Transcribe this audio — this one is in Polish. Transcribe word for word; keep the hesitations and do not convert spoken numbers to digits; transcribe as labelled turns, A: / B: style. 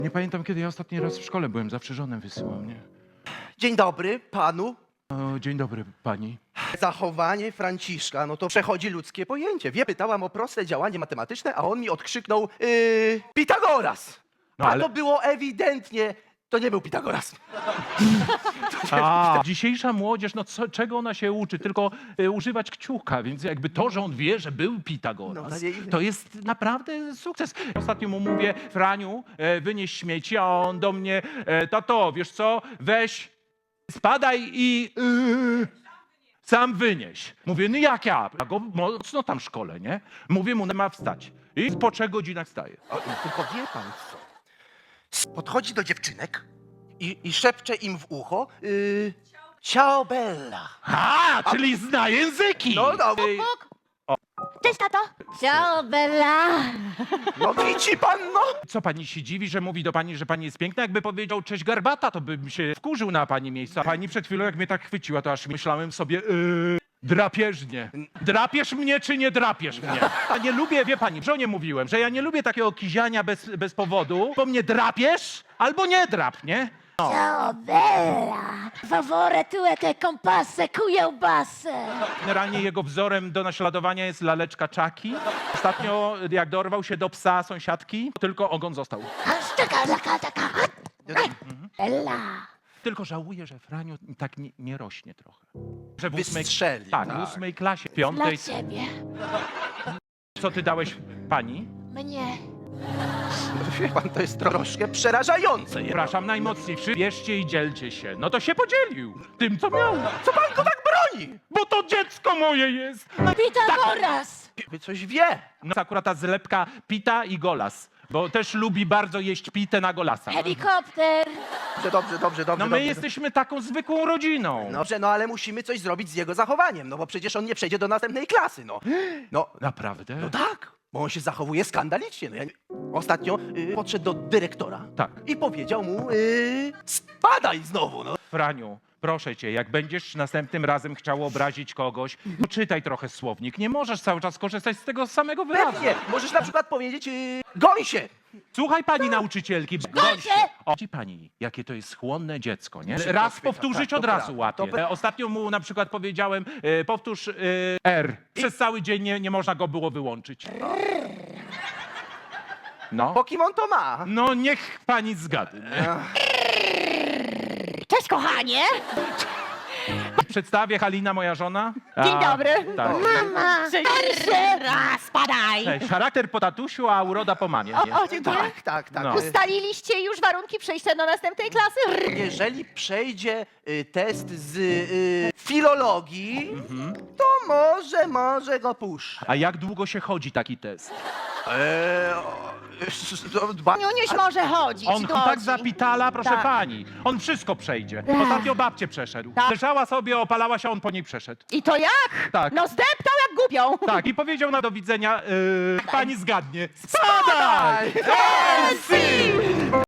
A: Nie pamiętam, kiedy ja ostatni raz w szkole byłem, zawsze żonę wysyłam, nie?
B: Dzień dobry panu.
A: O, dzień dobry, pani.
B: Zachowanie Franciszka, no to przechodzi ludzkie pojęcie. Wie, pytałam o proste działanie matematyczne, a on mi odkrzyknął yy, Pitagoras.
A: No,
B: a
A: ale-
B: to było ewidentnie, to nie był Pitagoras.
A: A, dzisiejsza młodzież, no co, czego ona się uczy? Tylko y, używać kciuka, więc jakby to, że on wie, że był
B: No,
A: Pitagoras,
B: ale ile-
A: to jest naprawdę sukces. Ostatnio mu mówię, Franiu, e, wynieś śmieci, a on do mnie, e, tato, wiesz co, weź, spadaj i yy, sam wynieś. Mówię, no jak ja? Ja go mocno tam szkole, nie? Mówię mu, ma wstać. I po trzech godzinach wstaje.
B: O, tylko wie pan co? Podchodzi do dziewczynek i, i szepcze im w ucho yy, Ciao Bella.
A: A, czyli zna języki!
B: No, no,
A: Ej,
C: Cześć, tato! Ciao, Bella!
B: no widzi pan, no.
A: Co pani się dziwi, że mówi do pani, że pani jest piękna? Jakby powiedział cześć garbata, to bym się wkurzył na pani miejscu. A pani przed chwilą, jak mnie tak chwyciła, to aż myślałem sobie, yy, drapieżnie. Drapiesz mnie, czy nie drapiesz mnie? Ja nie lubię, wie pani, żonie mówiłem, że ja nie lubię takiego kiziania bez, bez powodu, bo mnie drapiesz albo nie drap, nie?
C: Ciao, Bella! Favore tue che compasse kiełbasę!
A: Generalnie jego wzorem do naśladowania jest laleczka Czaki. Ostatnio, jak dorwał się do psa sąsiadki, tylko ogon został.
C: Taka, taka, taka! Bella!
A: Tylko żałuję, że Franiu tak nie, nie rośnie trochę. Że w ósmej,
B: Wystrzeli,
A: tak,
B: tak.
A: w ósmej klasie, w
C: Dla
A: piątej.
C: ciebie!
A: Co ty dałeś pani?
C: Mnie!
B: Wie pan, to jest troszkę przerażające.
A: Przepraszam najmocniej, bierzcie i dzielcie się. No to się podzielił tym, co miał.
B: Co pan go tak broni?
A: Bo to dziecko moje jest. No,
C: Pitagoras!
B: Wy coś wie.
A: no akurat ta zlepka pita i golas, bo też lubi bardzo jeść pitę na golasa.
C: Helikopter!
B: Dobrze, dobrze, dobrze, dobrze.
A: No my
B: dobrze.
A: jesteśmy taką zwykłą rodziną.
B: Dobrze, no ale musimy coś zrobić z jego zachowaniem, no bo przecież on nie przejdzie do następnej klasy, no. No,
A: Naprawdę?
B: no tak, bo on się zachowuje skandalicznie. No ja nie... Ostatnio y, podszedł do dyrektora
A: Tak.
B: i powiedział mu, y, spadaj znowu, no.
A: Franiu, proszę cię, jak będziesz następnym razem chciał obrazić kogoś, to czytaj trochę słownik. Nie możesz cały czas korzystać z tego samego wyrazu.
B: Pewnie, możesz na przykład powiedzieć, y, goń się.
A: Słuchaj pani nauczycielki.
C: Goń się!
A: O, widzi pani, jakie to jest chłonne dziecko, nie?
B: Szybko
A: Raz
B: chwyta,
A: powtórzyć
B: tak,
A: od
B: to
A: razu
B: prawda,
A: łapie.
B: to pra-
A: E, Ostatnio mu na przykład powiedziałem, e, powtórz e, R. Przez cały dzień nie, nie można go było wyłączyć. No.
B: Po kim on to ma?
A: No niech pani zgadnie.
C: Cześć, kochanie!
A: Przedstawię Halina, moja żona.
C: Dzień
A: A,
C: dobry.
A: Tak.
C: Mama! Raz, spadaj!
A: Cześć. Charakter po tatusiu, a uroda po mamie. Nie?
C: O, dziękuję.
B: Tak, tak, tak.
A: No.
B: Y,
C: Ustaliliście już warunki przejścia do następnej klasy?
B: Jeżeli przejdzie y, test z y, filologii,
A: Mhm.
B: to może, może go puszczę.
A: A jak długo się chodzi taki test?
B: Eee, o, to dba-
C: Niuniuś może chodzić.
A: On
C: chodzi.
A: tak zapitala, proszę
C: Tak.
A: pani. On wszystko przejdzie. Ostatnio babcię przeszedł.
C: Tak.
A: Leżała sobie, opalała się, on po niej przeszedł.
C: I to jak?
A: Tak.
C: No zdeptał jak głupią.
A: Tak, i powiedział na do widzenia, yy, pani zgadnie. Spadaj!
C: Spadaj!